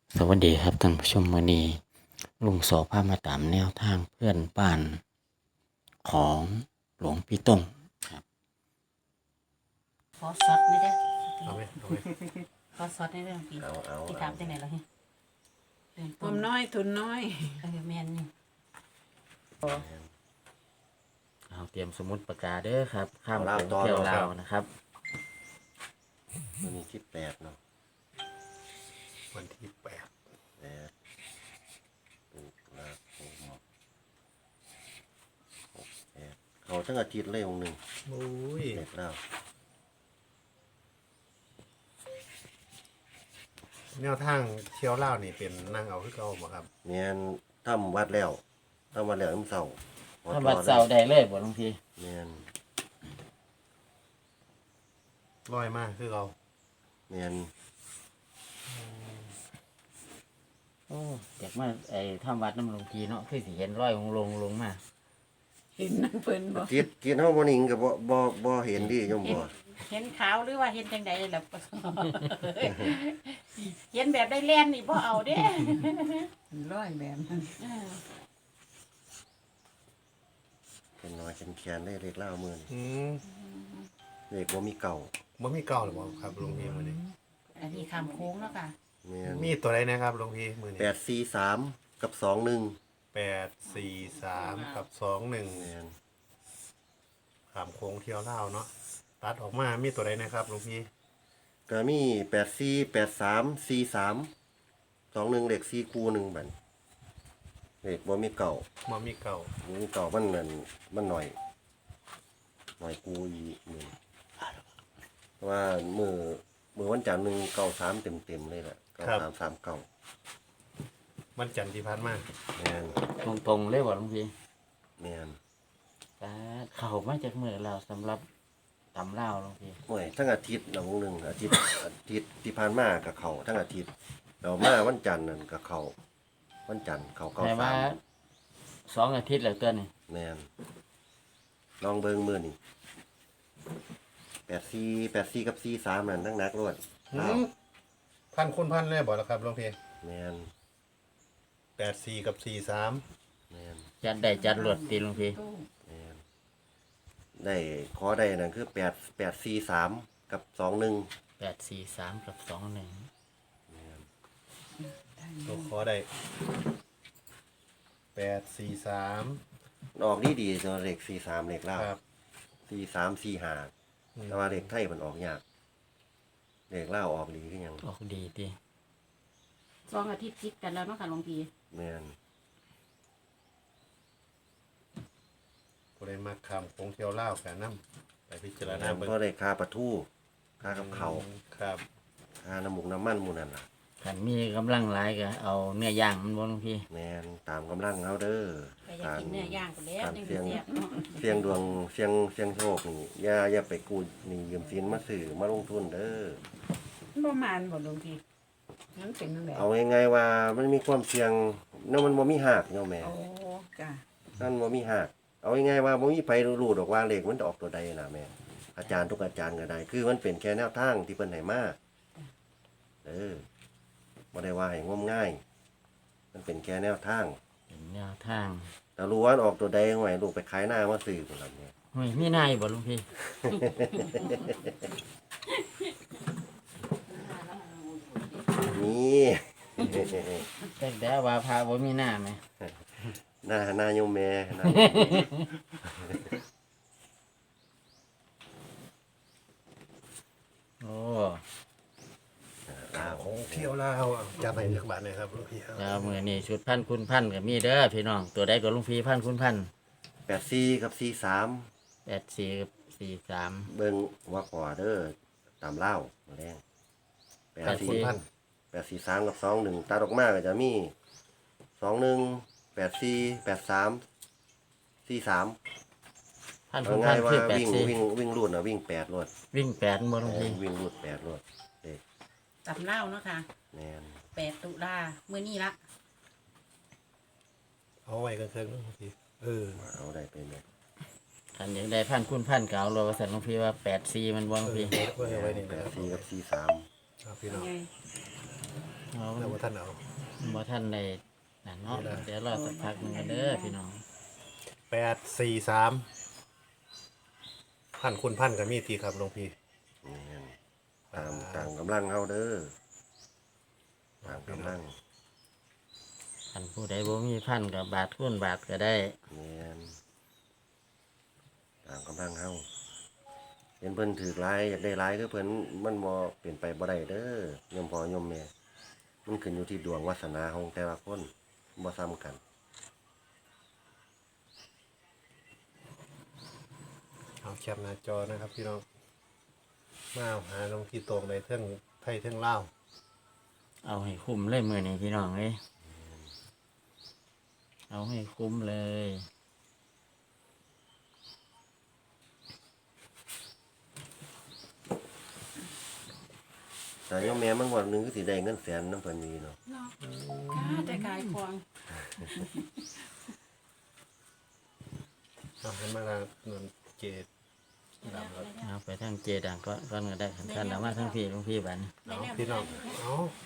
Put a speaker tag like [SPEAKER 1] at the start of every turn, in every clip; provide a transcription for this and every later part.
[SPEAKER 1] สวัสดีครับท่านผู้ชมวันนี้ลุงโสภาพมาตามแนวทางเพื่อนบ้านของหลวงพี่ต้งครับ
[SPEAKER 2] ขอซอสนี่เด้อ
[SPEAKER 3] เอาไหมเอาไหม
[SPEAKER 2] ขอซอสนี่เด้อพี่
[SPEAKER 3] เอา
[SPEAKER 2] พี่ถามจังไหนล่ะเฮ้ยเดิน
[SPEAKER 4] ผมน้อยทุนน้อย
[SPEAKER 2] แม่นนี่
[SPEAKER 1] เอาเตรียมสมุดปากกาเด้อครับข้าม
[SPEAKER 3] เอา
[SPEAKER 1] โข
[SPEAKER 3] ลาว
[SPEAKER 1] ง
[SPEAKER 3] ต่อ
[SPEAKER 1] เที่ยว
[SPEAKER 3] เนาะ
[SPEAKER 1] ลาวนะครับ
[SPEAKER 3] วันนี้ที่8เนาะ
[SPEAKER 4] วันที่8
[SPEAKER 3] 8ตุลาคม68เขาทั้งอาทิตย์เลยองค์หนึ่ง
[SPEAKER 4] โอ้ย
[SPEAKER 3] เด็กแล้ว
[SPEAKER 4] แนวทางเที่ยวเล่าวนี่เป็นนั่งเอาคือเก่าบ่ครับ
[SPEAKER 3] เนียนทำวัดแล้วน้ำเสาร์
[SPEAKER 1] ถ้าบัดเสาร์ได้เลยบ่หลวงพี่
[SPEAKER 3] เนียน
[SPEAKER 4] ร้อยมากคือเก่า
[SPEAKER 3] เนียน
[SPEAKER 1] โอ้อยากมาทำวัดน้ำหลวงพี่เนาะคือสิเห็นร้อยลงมา
[SPEAKER 4] เห็นนั่งเพิ่นบ่
[SPEAKER 3] กินเฮาบ่นิ่งก็บ่เห็นดิโยม
[SPEAKER 2] เห็น
[SPEAKER 3] บ่
[SPEAKER 2] เห็นขาวหรือว่าเห็นจังใดล่ะ เห็นแบบได้แล่นนี่บ่เอาเด้
[SPEAKER 4] ร้อยแบบนั้น
[SPEAKER 2] เออ
[SPEAKER 3] เป็นน้อยเป็นแขนได้เล็กเล่ามื้อนี่
[SPEAKER 4] อืม
[SPEAKER 3] เด็กบ่มีเก่า
[SPEAKER 4] บ่มีเก่าหรือบ่ครับหลวงพี่มื้อนี้
[SPEAKER 2] อันนี้ข้ามโค้งแล้วค่ะ
[SPEAKER 3] เนียน
[SPEAKER 4] มีตัวใดนะครับหลวงพี่มื้อนี้
[SPEAKER 3] 843กับ21
[SPEAKER 4] 843กับ21
[SPEAKER 3] เนียน
[SPEAKER 4] ขามโค้งเที่ยวเล่าวเนาะตัดออกมามีตัวใดนะครับหลวงพี่
[SPEAKER 3] ก็มี84 83 43 21เลข4คู่หนึงบัดเลขบ่มีเก่า
[SPEAKER 4] บ่มีเก่า
[SPEAKER 3] บ่มีเก่ามันนั่นมันหน่อยกูอีมื้อเพราะว่ามื้อวันจันทร์หนึงเก่า3เต็มๆเลยล่ะเก่า3 3เก่า
[SPEAKER 4] วันจันทร์ที่ผ่านมา
[SPEAKER 3] แม่น
[SPEAKER 1] ตรงๆเลยบ่หลวงพี่
[SPEAKER 3] แม่น
[SPEAKER 1] แต่เข้ามาจากเมื่อเราสำหรับตำลาวหลวงพี่
[SPEAKER 3] โอ้ยทั้งอาทิตย์ละวงหนึงอาทิตย์ที่ผ่านมาก็เข้าทั้งอาทิตย์แล้วมาวันจันทร์นั่นก็เข้าวันจันทร์เข้าเก่า
[SPEAKER 1] แต่ว่า
[SPEAKER 3] 3
[SPEAKER 1] 2 อาทิตย์แล้วตัวนี้
[SPEAKER 3] แม่นลองเบิ่งมื้อนี้84กับ43นั่นทั้งนักรวด
[SPEAKER 4] หืมพันคูณพันเลยบ่ล่ะครับหลวงพี่
[SPEAKER 3] แม่น
[SPEAKER 4] 84กับ43
[SPEAKER 3] แม่น
[SPEAKER 1] จัดได้จัดรวดตีหลวงพี่
[SPEAKER 2] ตู้
[SPEAKER 3] แม่นได้ขอได้นั่นคือ843กับ21
[SPEAKER 1] 843กับ21
[SPEAKER 4] ตัวขอได้843
[SPEAKER 3] ออกดีๆตัวเลข43เลขลาว
[SPEAKER 4] ครับ
[SPEAKER 3] 43 45แต่ว่าเลขไทยมันออกยากเลขลาวออกดีคือหยัง
[SPEAKER 1] ออกดีติ
[SPEAKER 2] 2 อาทิตย์ติดกันแล้วเนาะค่ะหลวงพี่
[SPEAKER 3] แม่น
[SPEAKER 4] ผู้ใดมาขามโค้งเที่ยวเล่าวกันนำไปพิจารณาเบิ่ง
[SPEAKER 3] เพราะได้ค่าปลาทูค่ากับเขาว
[SPEAKER 4] ครับ
[SPEAKER 3] ค่าน้ำหมูกน้ำมันหมู่นั่นล่ะ
[SPEAKER 1] คันมีกำลังหลายก็เอาเนื้อย่างมันบ่หลวงพี่
[SPEAKER 3] แม่นตามกำลังเฮาเด้อ
[SPEAKER 2] ก็อยากกินเนื้อย่างก็แล้วจังสิแซ่บเนาะ
[SPEAKER 3] เสียงดวงเสียงโชคนี่อย่าไปกู้หนี่ยืมสินมาซื้อมาลงทุนเด้อ
[SPEAKER 4] ประมาณบ่หลวงพี่นั่นเป็นจังได๋
[SPEAKER 3] เอาง่ายๆว่ามันมีความเสี่ยงเนาะมันบ่มีหักเนาะแม่
[SPEAKER 4] โอ้จ้ะ
[SPEAKER 3] นั่นบ่มีหักเอาง่ายๆว่าบ่มีไผรู้ดอกว่าเลขมันจะออกตัวใดน่ะแม่อาจารย์ทุกอาจารย์ก็ได้คือมันเป็นแค่แนวทางที่เพิ่นให้มาบ่ได้ว่าให้งมง่าย มันเป็นแค่แนวทาง
[SPEAKER 1] เป็นแนวทาง
[SPEAKER 3] แต่รู้ว่าออกตัวใดหวยลูกไปขายหน้ามาซื้อพุ่นล่ะแม่
[SPEAKER 1] เฮ้ยมีนายบ่หลวงพี่
[SPEAKER 3] นี่
[SPEAKER 1] แต่ว่าพระบ่มีหน้าไหม
[SPEAKER 3] หน้าโยมแม่หน้า
[SPEAKER 1] โอ้
[SPEAKER 4] โค้งเที่ยวลาวจะไปจักบาทเลยครับหลวงพี่ครับ
[SPEAKER 1] เจ้ามือนี่ชุดพันคุณพันก็มีเด้อพี่น้องตัวใดก็หลวงพี่พันคุณพัน
[SPEAKER 3] 84กับ43
[SPEAKER 1] 84กับ43
[SPEAKER 3] เบิ่งว่าขอเด้อตามเล่ามาแรง
[SPEAKER 4] คุณพัน
[SPEAKER 3] 843กับ21ตัดออกมาก็จะมี21 84 83 43
[SPEAKER 1] พัน
[SPEAKER 3] เอา
[SPEAKER 1] คุณพั
[SPEAKER 3] ง่าน ยว่า
[SPEAKER 1] คือ
[SPEAKER 3] วิ่งรูดน่ะวิ่ง8รวด
[SPEAKER 1] วิ่ง8บ่หลวงพี่
[SPEAKER 3] วิ่งรูด8รวดเด็ก
[SPEAKER 2] ตำเล่าวเนาะค่ะ
[SPEAKER 3] แม่น
[SPEAKER 2] 8 ตุลามื้อนี้ละ
[SPEAKER 4] เอาไว้กันเคิงหลวงพี่
[SPEAKER 3] เอาได้ไปแม่
[SPEAKER 1] คันอยากได้พันคุณพันก็เอาเลยว่าซั่นหลวงพี่ว่า84มันบ่หลวงพี่
[SPEAKER 4] ไว้นี่นะครับ
[SPEAKER 3] 84กับ43
[SPEAKER 4] ครับพี่น้อง
[SPEAKER 2] ไง
[SPEAKER 1] เอา
[SPEAKER 4] แล้วว่าท่านเอา
[SPEAKER 1] บ่ท่านได้นั่นเนาะ
[SPEAKER 4] นี่ล่ะ
[SPEAKER 1] เดี๋ยวรอสักพักหนึงกันเด้อพี่น้อง
[SPEAKER 4] 843พันคุณพันก็มีทีครับหลวงพี่
[SPEAKER 3] นี่ตามกำลังเฮาเด้อตามกำลัง
[SPEAKER 1] ท่านผู้ใดบ่มีพันกับบาทคูณบาทก็ได้
[SPEAKER 3] เนี่ยตามกำลังเฮาเห็นเพิ่นถือหลายอยากได้หลายคือเพิ่นมันบ่เปลี่ยนไปบ่ได้เด้อโยมพ่อโยมแม่มันขึ้นอยู่ที่ดวงวาสนาของแต่ละคนบ่ซ้ำกัน
[SPEAKER 4] เอาแคปหน้าจอนะครับพี่น้องมาหาหลวงพี่ตรงในเทิงไทยเทิงลาว
[SPEAKER 1] เอาให้คุ้มเลยมื้อนี้พี่น้องเอ้ยเอาให้คุ้มเลย
[SPEAKER 3] แต่โยมแม่มันวันหนึงก็สิได้เงินแสนนำเพิ่นมีเนาะ
[SPEAKER 2] เนาะค่ะแต่ขายของ
[SPEAKER 4] เอาให้มาทางเงินเจดดำครับ
[SPEAKER 1] เอาไปทางเจดังก็ก็ได้คันท่านเอามาทางพี่หลวงพี่บัดนี้
[SPEAKER 4] เอาพี่น้องเอา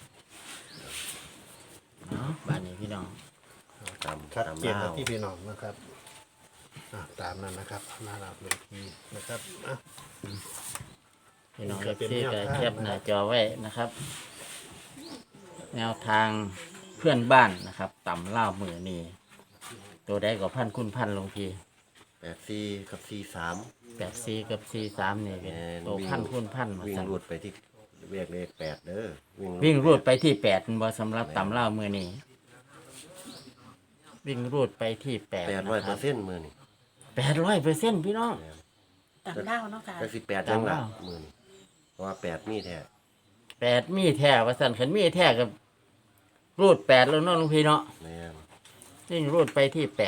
[SPEAKER 1] เนาะบัดนี้พี่น้อง
[SPEAKER 3] ตาม
[SPEAKER 4] ชัด
[SPEAKER 3] ตาม
[SPEAKER 4] เจน
[SPEAKER 3] ลา
[SPEAKER 4] นะ
[SPEAKER 3] ว
[SPEAKER 4] ที่พี่น้องนะครับตามนั้นนะครับหน้าหลับหลวงพี่นะครับอ่ะ
[SPEAKER 1] พี่น้อง
[SPEAKER 4] จะ
[SPEAKER 1] เอฟ
[SPEAKER 4] เป็น
[SPEAKER 1] ซี
[SPEAKER 4] แนว
[SPEAKER 1] ก็
[SPEAKER 4] ทาง
[SPEAKER 1] แคปหน้า
[SPEAKER 4] นะครับ
[SPEAKER 1] จอไว้นะครับ แนวทางเพื่อนบ้านนะครับต่ำเล่าวมือนี่ตัวใดก็พันคุณพันหลวงพี่
[SPEAKER 3] 84กับ43
[SPEAKER 1] 84กับ43นี่เป็น
[SPEAKER 3] แม่น
[SPEAKER 1] ตัวพันคุณพันมา
[SPEAKER 3] วิ่ง
[SPEAKER 1] สั่ง
[SPEAKER 3] รูดไปที่เรียกเลข8เด้อ
[SPEAKER 1] วิ่งรูดไปที่8เป็นบ่สำหรับต่ำเล่าวมือนี่วิ่งรูดไปที่8นะครับ
[SPEAKER 3] 800%มื้อนี้
[SPEAKER 1] 800%พี่น้อง
[SPEAKER 2] ตำเล่าเนาะค่ะ
[SPEAKER 3] จักสิ8จังล่ะ
[SPEAKER 1] ตามลาว
[SPEAKER 3] มื้อนี้เพราะว่า8มีแท้
[SPEAKER 1] 8มีแท้ว่าสั่นขันมีแท้กับรูด8แล้วเนาะหลวงพี่เนาะ
[SPEAKER 3] แม่น
[SPEAKER 1] วิ่งรูดไปที่8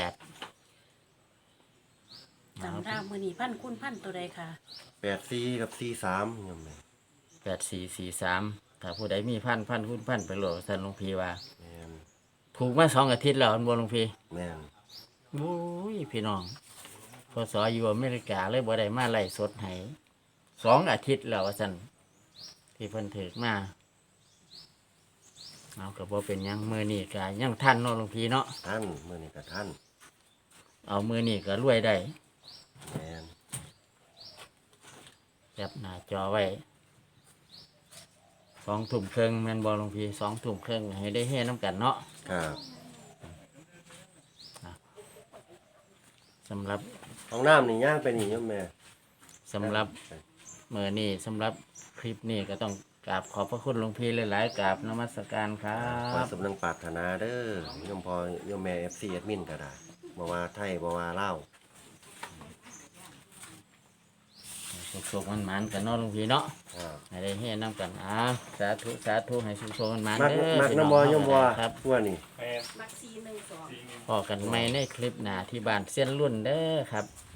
[SPEAKER 2] ตำเล่ามื้อนี้พันคุณพันตัวใดค่ะ
[SPEAKER 3] 84กับ43โยมแม่
[SPEAKER 1] 8443ถ้าผู้ใดมีพันคุณพันไปโหลดสั่นหลวงพี่ว่า
[SPEAKER 3] แม่น
[SPEAKER 1] ถูกมา2 อาทิตย์แล้วอันบนหลวงพี่
[SPEAKER 3] แม่น
[SPEAKER 1] โอ้ยพี่น้องพศอยู่อเมริกาเลยบ่ได้มาไล่สดให้2 อาทิตย์แล้วว่าซั่นที่เพิ่นถึกมาเอาก็บ่เป็นหยังมื้อนี้ก็ยังทันเนาะหลวงพี่เนาะ
[SPEAKER 3] ท่านมื้อนี้ก็ท่าน
[SPEAKER 1] เอามื้อนี้ก็รวยได้
[SPEAKER 3] แม่น
[SPEAKER 1] แคปหน้าจอไว้2 ทุ่มครึ่งแม่นบ่หลวงพี่2 ทุ่มครึ่งให้ได้เฮน้ำกันเนาะ
[SPEAKER 3] ครับ
[SPEAKER 1] สำหรับ
[SPEAKER 3] ห้องน้ำนี่ย่างไปนี่โยมแม่
[SPEAKER 1] สำหรับมื้อนี้สำหรับคลิปนี้ก็ต้องกราบขอบพระคุณหลวงพี่หลายๆกราบนมัสการครั
[SPEAKER 3] ขอบ สมนังปรารถนาเด้อโยมพ่อโยมแม่ FC แอดมินก็ได้บ่ว่าไทยบ่ว่าลาว
[SPEAKER 1] สุขๆมันๆกันเนาะหลวงพี่เนาะ
[SPEAKER 3] ครับ
[SPEAKER 1] ให้ได้เฮ็ดน้ำกันสาธุสาธุให้สุขๆมันๆ
[SPEAKER 3] มัก
[SPEAKER 1] เด้อ
[SPEAKER 3] มัก
[SPEAKER 1] พี่
[SPEAKER 3] น้ำบ่โยมบ่
[SPEAKER 1] ครับ
[SPEAKER 3] ทั่วนี่
[SPEAKER 2] มัก412
[SPEAKER 1] พอกันใหม่ในคลิปหน้าที่บ้านเส้นรุ่นเด้อครับ